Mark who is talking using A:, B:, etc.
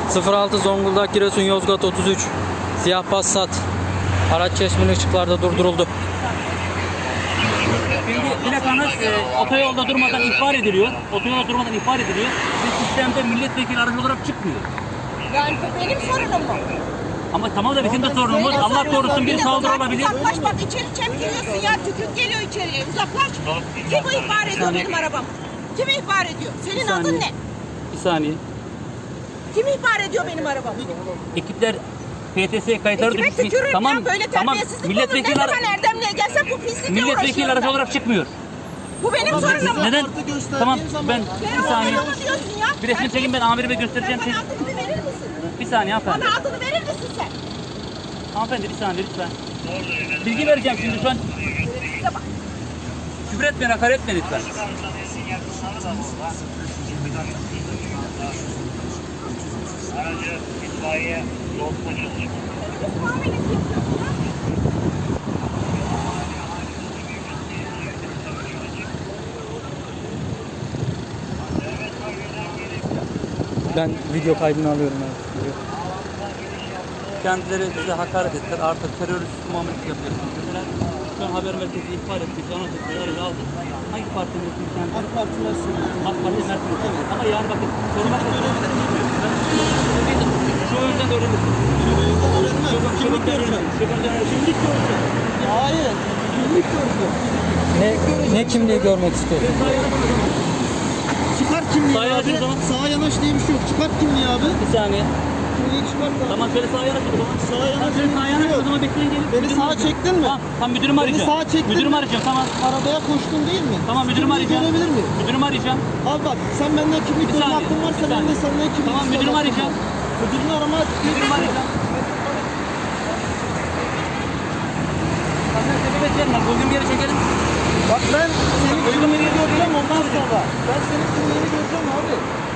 A: 06 Zonguldak Giresun Yozgat 33 siyah Passat. Araç çeşmeli ışıklarda durduruldu.
B: Şimdi plakanız otoyolda durmadan ihbar ediliyor. Otoyolda durmadan ihbar ediliyor. Ve sistemde milletvekili aracı olarak çıkmıyor.
C: Yani bu benim sorunum mu?
B: Ama tamam da bizim de sorunumuz. Allah korusun bir saldırı olabilir.
C: Uzaklaş bak, içeri çemkiriyorsun ya, tükürük geliyor içeriye, uzaklaş. Kim bu ihbar ediyor benim arabam? Kim ihbar ediyor? Senin adın ne?
B: Bir saniye.
C: Kim ihbar ediyor benim arabamı?
B: Ekipler PTS kayıtları
C: Kime
B: düşmüş.
C: tükürürüm
B: Tamam,
C: ya, böyle
B: tamam.
C: terbiyesizlik
B: Milletvekili
C: olur. Ne zaman Erdemli'ye gelsem bu pislikle
B: milletvekili
C: uğraşıyorum
B: aracı
C: ben.
B: olarak çıkmıyor.
C: Bu benim sorunum mu?
B: Neden? Tamam ben
C: Ben
B: bir saniye.
C: oğlum diyorsun ya.
B: Bir resim çekin, ben amirime göstereceğim.
C: Sen bana adını bir verir misin?
B: Bir saniye hanımefendi.
C: Bana adını verir misin sen?
B: Hanımefendi bir saniye lütfen. Bilgi vereceğim şimdi şu an.
C: Size bak.
B: Küfür etmeyin, hakaret etmeyin lütfen.
D: Aracı itfaiye yol polis.
C: Muamelesi yapıyorsun ya.
A: Ben video kaydını alıyorum abi.
B: Kendileri bize hakaret ettiler. Artık terörist muamelesi yapıyorsunuz. Mesela şu an haber merkezi ihbar ettik. Anons ettik. Aracı aldık. Hangi parti mensubuyuz kendileri? AK Parti mensubuyuz. AK Parti mensubuyuz. Evet. Ama yani bakın sormak öğrenebilir miyim? Şu önden öğrenirsiniz.
E: Kimlik göreceğim. Kimlik göreceğim. Hayır. Kimlik göreceğim.
A: Ne kimliği görmek istiyorsun?
E: Çıkar kimliği
B: Sağa yanaş
E: abi.
B: o zaman.
E: Sağa yanaş diye bir şey yok. Çıkar kimliği abi.
B: Bir saniye.
E: Kimliği çıkart abi.
B: Tamam şöyle sağa yanaş o zaman.
E: Sağa yanaş.
B: Şöyle sağa yanaş o zaman, bekleyin gelin.
E: Beni
B: Müdürümü
E: sağa
B: arayacağım.
E: çektin mi?
B: Tamam müdürümü arayacağım.
E: sağa çektin
B: Müdürümü
E: mi?
B: arayacağım, tamam.
E: Arabaya koştun değil mi?
B: Tamam müdürümü
E: Kimliği
B: arayacağım.
E: görebilir miyim?
B: Müdürümü arayacağım.
E: Abi bak, sen benden kimlik
B: Bir
E: görme
B: saniye,
E: hakkın varsa
B: bir
E: ben de
B: saniye.
E: senden kimlik
B: Tamam,
E: görme
B: müdürümü
E: hakkım
B: arayacağım.
E: var. Müdürünü arama.
B: Müdürümü arayacağım. Sen sebep etmeyelim bak, uygun bir yere çekelim.
E: Bak ben senin
B: Uygun bir yere
E: kimliğini göreceğim
B: çekelim
E: ondan sonra. Ben senin kimliğini göreceğim abi.